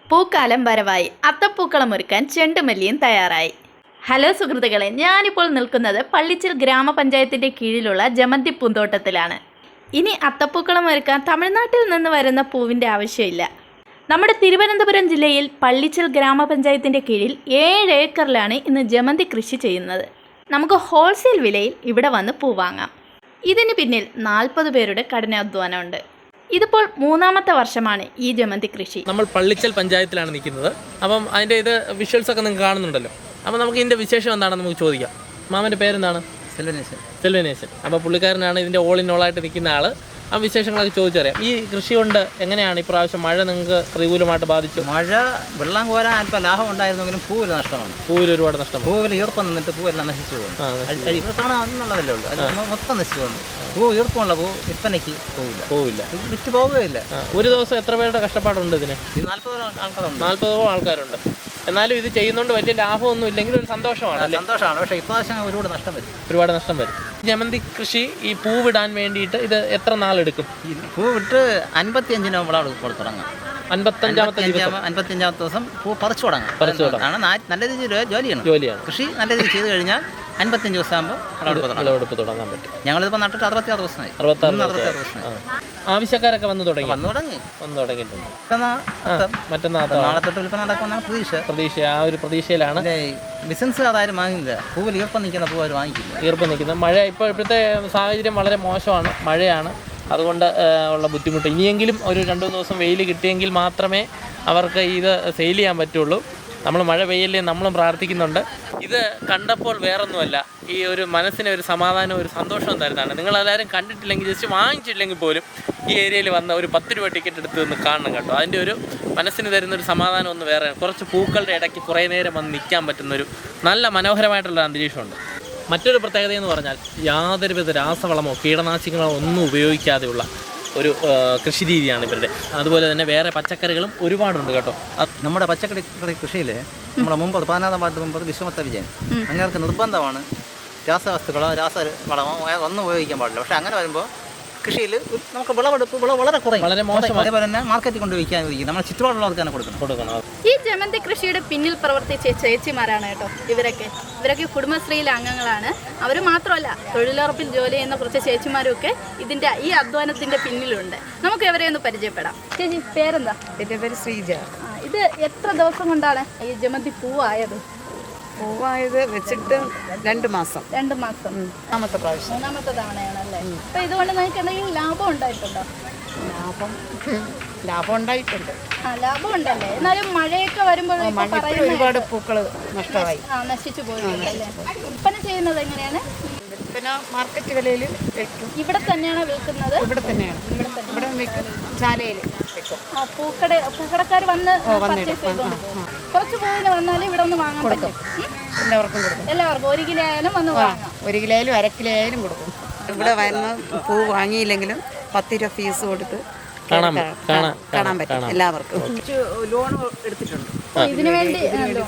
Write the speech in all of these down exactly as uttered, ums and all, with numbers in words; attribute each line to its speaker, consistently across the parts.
Speaker 1: പൂക്കാലം വരവായി. അത്തപ്പൂക്കളം ഒരുക്കാൻ ചെണ്ടുമല്ലിയും തയ്യാറായി. ഹലോ സുഹൃത്തുക്കളെ, ഞാനിപ്പോൾ നിൽക്കുന്നത് പള്ളിച്ചിൽ ഗ്രാമപഞ്ചായത്തിൻ്റെ കീഴിലുള്ള ജമന്തി പൂന്തോട്ടത്തിലാണ്. ഇനി അത്തപ്പൂക്കളം ഒരുക്കാൻ തമിഴ്നാട്ടിൽ നിന്ന് വരുന്ന പൂവിൻ്റെ ആവശ്യമില്ല. നമ്മുടെ തിരുവനന്തപുരം ജില്ലയിൽ പള്ളിച്ചിൽ ഗ്രാമപഞ്ചായത്തിൻ്റെ കീഴിൽ ഏഴ് ഏക്കറിലാണ് ഇന്ന് ജമന്തി കൃഷി ചെയ്യുന്നത്. നമുക്ക് ഹോൾസെയിൽ വിലയിൽ ഇവിടെ വന്ന് പൂ വാങ്ങാം. ഇതിന് പിന്നിൽ നാൽപ്പത് പേരുടെ കഠിനാധ്വാനമുണ്ട്. ഇതിപ്പോൾ മൂന്നാമത്തെ വർഷമാണ് ഈ ജമന്തി കൃഷി.
Speaker 2: നമ്മൾ പള്ളിച്ചൽ പഞ്ചായത്തിലാണ് നിൽക്കുന്നത്. അപ്പം അതിൻ്റെ ഇത് വിഷ്വൽസ് ഒക്കെ നിങ്ങൾക്ക് കാണുന്നുണ്ടല്ലോ. അപ്പോൾ നമുക്ക് ഇതിൻ്റെ വിശേഷം എന്താണെന്ന് നമുക്ക് ചോദിക്കാം. മാമൻ്റെ പേരെന്താണ്?
Speaker 3: സെൽവനേശൻ.
Speaker 2: സെൽവനേശൻ. അപ്പോൾ പുള്ളിക്കാരനാണ് ഇതിൻ്റെ ഓൾ ഇൻ ഓളായിട്ട് നിൽക്കുന്ന ആൾ. ആ വിശേഷങ്ങളൊക്കെ ചോദിച്ചറിയാം. ഈ കൃഷി കൊണ്ട് എങ്ങനെയാണ് ഇപ്രാവശ്യം മഴ നിങ്ങൾക്ക് പ്രതികൂലമായിട്ട് ബാധിച്ചു?
Speaker 3: മഴ വെള്ളം കോരാൻ അല്പം ലാഭം ഉണ്ടായിരുന്നെങ്കിലും പൂവിൽ നഷ്ടമാണ്.
Speaker 2: പൂവിൽ ഒരുപാട് നഷ്ടം.
Speaker 3: പൂവിൽ ഈർപ്പം നിന്നിട്ട് പൂവെല്ലാം നശിച്ചു പോകുന്നു. ഇവിടെ കാണാന്നുള്ളതല്ലേ ഉള്ളൂ. അത് മൊത്തം നശിച്ചു പോകുന്നു. പൂ ഈർപ്പമുള്ള പൂ വിൽപ്പനയ്ക്ക് പോവില്ല
Speaker 2: പോവില്ല
Speaker 3: വിറ്റ് പോവുകയില്ല.
Speaker 2: ഒരു ദിവസം എത്ര പേരുടെ കഷ്ടപ്പാടുണ്ട് ഇതിന്?
Speaker 3: നാൽപ്പതോ ആൾക്കാരുണ്ട്.
Speaker 2: നാൽപ്പതോ ആൾക്കാരുണ്ട്. എന്നാലും ഇത് ചെയ്യുന്നതുകൊണ്ട് വലിയ ലാഭമൊന്നും ഇല്ലെങ്കിൽ ഒരു സന്തോഷമാണ്.
Speaker 3: സന്തോഷമാണ്. പക്ഷേ ഇപ്രാവശ്യം ഒരുപാട് നഷ്ടം വരും.
Speaker 2: ഒരുപാട് നഷ്ടം വരും. ജമന്തി കൃഷി ഈ പൂവിടാൻ വേണ്ടിയിട്ട് ഇത് എത്ര നാളെടുക്കും?
Speaker 3: പൂ വിട്ട് അൻപത്തിയഞ്ചിന് നമ്മൾ തുടങ്ങാം.
Speaker 2: അൻപത്തഞ്ചാമത്തെ ദിവസം
Speaker 3: അൻപത്തിയഞ്ചാമത്തെ ദിവസം പൂ പറിച്ചു തുടങ്ങാം.
Speaker 2: പറിച്ചു തുടങ്ങാം.
Speaker 3: നല്ല രീതിയിൽ ജോലിയാണ്
Speaker 2: ജോലിയാണ്
Speaker 3: കൃഷി. നല്ല രീതിയിൽ ചെയ്ത് കഴിഞ്ഞാൽ അൻപത്തഞ്ച് ദിവസം ആകുമ്പോൾ
Speaker 2: വിളവെടുപ്പ് തുടങ്ങാൻ പറ്റും.
Speaker 3: ഞങ്ങളിപ്പോൾ നട്ടിട്ട് അറുപത്തിയാറ് ദിവസമായി.
Speaker 2: അറുപത്താറ് ദിവസം ആവശ്യക്കാരൊക്കെ വന്ന് തുടങ്ങി
Speaker 3: വന്നു തുടങ്ങി
Speaker 2: വന്ന് തുടങ്ങിയിട്ടുണ്ട്.
Speaker 3: മറ്റന്നാൾ നാളെ തൊട്ട് വിൽപ്പന നടക്കുമെന്നാണ് പ്രതീക്ഷ.
Speaker 2: പ്രതീക്ഷ ആ ഒരു പ്രതീക്ഷയിലാണ്.
Speaker 3: ബിസിനസ് അതാരും വാങ്ങില്ല. പൂവിൽ ഈർപ്പം നിൽക്കുന്ന പൂ അവർ വാങ്ങിക്കില്ല.
Speaker 2: ഈർപ്പം നിൽക്കുന്ന മഴ ഇപ്പോൾ ഇപ്പോഴത്തെ സാഹചര്യം വളരെ മോശമാണ്. മഴയാണ്. അതുകൊണ്ട് ഉള്ള ബുദ്ധിമുട്ട്. ഇനിയെങ്കിലും ഒരു രണ്ട് മൂന്ന് ദിവസം വെയിൽ കിട്ടിയെങ്കിൽ മാത്രമേ അവർക്ക് ഇത് സെയിൽ ചെയ്യാൻ പറ്റുള്ളൂ. നമ്മൾ മഴ പെയ്യല്ലേ നമ്മളും പ്രാർത്ഥിക്കുന്നുണ്ട്. ഇത് കണ്ടപ്പോൾ വേറൊന്നുമല്ല, ഈ ഒരു മനസ്സിന് ഒരു സമാധാനം ഒരു സന്തോഷം തരുന്നതാണ്. നിങ്ങളെല്ലാവരും കണ്ടിട്ടില്ലെങ്കിൽ ജസ്റ്റ് വാങ്ങിച്ചില്ലെങ്കിൽ പോലും ഈ ഏരിയയിൽ വന്ന ഒരു പത്ത് രൂപ ടിക്കറ്റ് എടുത്ത് നിന്ന് കാണണം കേട്ടോ. അതിൻ്റെ ഒരു മനസ്സിന് തരുന്നൊരു സമാധാനം ഒന്ന് വേറെ. കുറച്ച് പൂക്കളുടെ ഇടയ്ക്ക് കുറേ നേരം വന്ന് നിൽക്കാൻ പറ്റുന്നൊരു നല്ല മനോഹരമായിട്ടുള്ള അന്തരീക്ഷമുണ്ട്. മറ്റൊരു പ്രത്യേകത എന്ന് പറഞ്ഞാൽ യാതൊരുവിധ രാസവളമോ കീടനാശിനികളോ ഒന്നും ഉപയോഗിക്കാതെയുള്ള ഒരു കൃഷി രീതിയാണ് ഇവരുടെ. അതുപോലെ തന്നെ വേറെ പച്ചക്കറികളും ഒരുപാടുണ്ട് കേട്ടോ.
Speaker 3: നമ്മുടെ പച്ചക്കറി കൃഷിയിൽ നമ്മുടെ മുമ്പ് പതിനാറാം വാർഡ് മുമ്പ് വിശ്വമത്ത വിജയൻ അങ്ങനെ നിർബന്ധമാണ് രാസവസ്തുക്കളോ രാസ വളമോ ഒന്നും ഉപയോഗിക്കാൻ പാടില്ല. പക്ഷേ അങ്ങനെ വരുമ്പോൾ കൃഷിയിൽ നമുക്ക് വിളവെടുപ്പ് വിളവ് വളരെ കുറയും, വളരെ മോശം. അതേപോലെ തന്നെ മാർക്കറ്റിൽ കൊണ്ട് വിൽക്കാൻ നമ്മൾ ചുറ്റുപാടുള്ളവർക്ക് തന്നെ കൊടുക്കണം കൊടുക്കണം
Speaker 1: ഈ ജമന്തി കൃഷിയുടെ പിന്നിൽ പ്രവർത്തിച്ച ചേച്ചിമാരാണ് കേട്ടോ ഇവരൊക്കെ. ഇവരൊക്കെ കുടുംബശ്രീയിലെ അംഗങ്ങളാണ്. അവർ മാത്രമല്ല, തൊഴിലുറപ്പിൽ ജോലി ചെയ്യുന്ന കുറച്ച് ചേച്ചിമാരും ഒക്കെ ഇതിൻ്റെ ഈ അധ്വാനത്തിൻ്റെ പിന്നിലുണ്ട്. നമുക്ക് ഇവരെ ഒന്ന് പരിചയപ്പെടാം. ചേച്ചി പേരെന്താ?
Speaker 4: എൻ്റെ പേര് ശ്രീജ.
Speaker 1: ഇത് എത്ര ദിവസം കൊണ്ടാണ് ഈ ജമന്തി പൂവായത്?
Speaker 4: പൂവായത് വെച്ചിട്ട് രണ്ട് മാസം
Speaker 1: രണ്ട് മാസം
Speaker 4: മൂന്നാമത്തെ പ്രാവശ്യം
Speaker 1: മൂന്നാമത്തെ തവണയാണല്ലേ? അപ്പോൾ ഇതുകൊണ്ട് നിങ്ങൾക്ക് എന്തെങ്കിലും ലാഭം ഉണ്ടായിട്ടുണ്ടോ?
Speaker 4: ലാഭം ലാഭം ഉണ്ടായിട്ടുണ്ട്.
Speaker 1: ആ, ലാഭം ഉണ്ടല്ലേ? എന്നാലും മഴയൊക്കെ വരുമ്പോൾ
Speaker 4: മഴയ്ക്ക് ഒരുപാട് പൂക്കൾ നഷ്ടമായി.
Speaker 1: ആ, നശിച്ചു പോയിട്ടുണ്ടല്ലേ? വിൽപ്പന ചെയ്യുന്നത് എങ്ങനെയാണ്?
Speaker 4: പിന്നെ മാർക്കറ്റ് വിലയിൽ വെക്കും.
Speaker 1: ഇവിടെ തന്നെയാണോ വിൽക്കുന്നത്?
Speaker 4: ഇവിടെ തന്നെയാണ്. ഇവിടെ ഇവിടെ വെക്കും. ചാലയിൽ വെക്കും.
Speaker 1: ആ, പൂക്കട പൂക്കടക്കാർ വന്ന് പർച്ചേസ് ചെയ്തോണ്ട് പോകും. കുറച്ച് പൂവിന് വന്നാലും ഇവിടെ ഒന്ന് വാങ്ങാൻ പറ്റും.
Speaker 4: എല്ലാവർക്കും കൊടുക്കും.
Speaker 1: എല്ലാവർക്കും ഒരു കിലോ ആയാലും വന്ന് വാങ്ങാം.
Speaker 4: ഒരു കിലോ ആയാലും അര കിലോ ആയാലും കൊടുക്കും. ഇവിടെ വരുന്ന പൂ വാങ്ങിയില്ലെങ്കിലും പത്ത് രൂപ ഫീസ് കൊടുത്ത് കാണാൻ പറ്റും എല്ലാവർക്കും. ലോൺ എടുത്തിട്ടുണ്ട്
Speaker 1: ഇതിനു വേണ്ടി.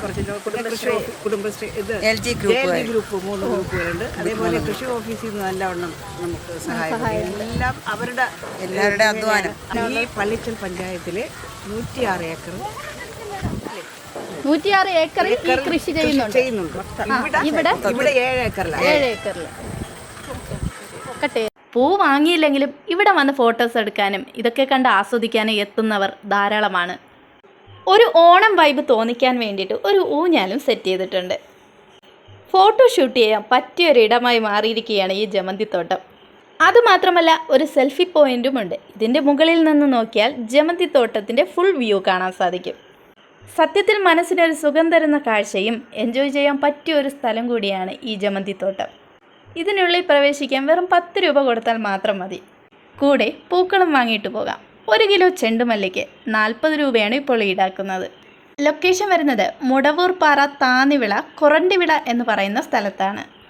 Speaker 4: Kudumbashree L G group group മൂന്ന് ഗ്രൂപ്പുകളുണ്ട്. അതേപോലെ കൃഷി ഓഫീസിൽ നിന്ന് നല്ലവണ്ണം നമുക്ക് സഹായം. എല്ലാം അവരുടെ എല്ലാവരുടെ അധ്വാനം. ഈ പള്ളിച്ചൽ പഞ്ചായത്തിലെ നൂറ്റിയാറ് ഏക്കർ
Speaker 1: നൂറ്റിയാറ് ഏക്കറിൽ ഈ കൃഷി ചെയ്യുന്നുണ്ട്
Speaker 4: ചെയ്യുന്നുണ്ട്
Speaker 1: ഇവിടെ
Speaker 4: ഇവിടെ ഏഴ് ഏക്കറിലാണ്.
Speaker 1: ഏഴ് ഏക്കറിൽ കട്ടെ. പൂ വാങ്ങിയില്ലെങ്കിലും ഇവിടെ വന്ന് ഫോട്ടോസ് എടുക്കാനും ഇതൊക്കെ കണ്ട് ആസ്വദിക്കാനും എത്തുന്നവർ ധാരാളമാണ്. ഒരു ഓണം വൈബ് തോന്നിക്കാൻ വേണ്ടിയിട്ട് ഒരു ഊഞ്ഞാലും സെറ്റ് ചെയ്തിട്ടുണ്ട്. ഫോട്ടോ ഷൂട്ട് ചെയ്യാൻ പറ്റിയൊരിടമായി മാറിയിരിക്കുകയാണ് ഈ ജമന്തിത്തോട്ടം. അതുമാത്രമല്ല, ഒരു സെൽഫി പോയിൻറ്റുമുണ്ട്. ഇതിൻ്റെ മുകളിൽ നിന്ന് നോക്കിയാൽ ജമന്തിത്തോട്ടത്തിൻ്റെ ഫുൾ വ്യൂ കാണാൻ സാധിക്കും. സത്യത്തിൽ മനസ്സിനൊരു സുഖം തരുന്ന കാഴ്ചയും എൻജോയ് ചെയ്യാൻ പറ്റിയ ഒരു സ്ഥലം കൂടിയാണ് ഈ ജമന്തിത്തോട്ടം. ഇതിനുള്ളിൽ പ്രവേശിക്കാൻ വെറും പത്ത് രൂപ കൊടുത്താൽ മാത്രം മതി. കൂടെ പൂക്കളം വാങ്ങിയിട്ട് പോകാം. ഒരു കിലോ ചെണ്ടുമല്ലിക്ക് നാൽപ്പത് രൂപയാണ് ഇപ്പോൾ ഈടാക്കുന്നത്. ലൊക്കേഷൻ വരുന്നത് മുടവൂർ പാറ താന്നിവിള കൊറണ്ടിവിള എന്ന് പറയുന്ന സ്ഥലത്താണ്.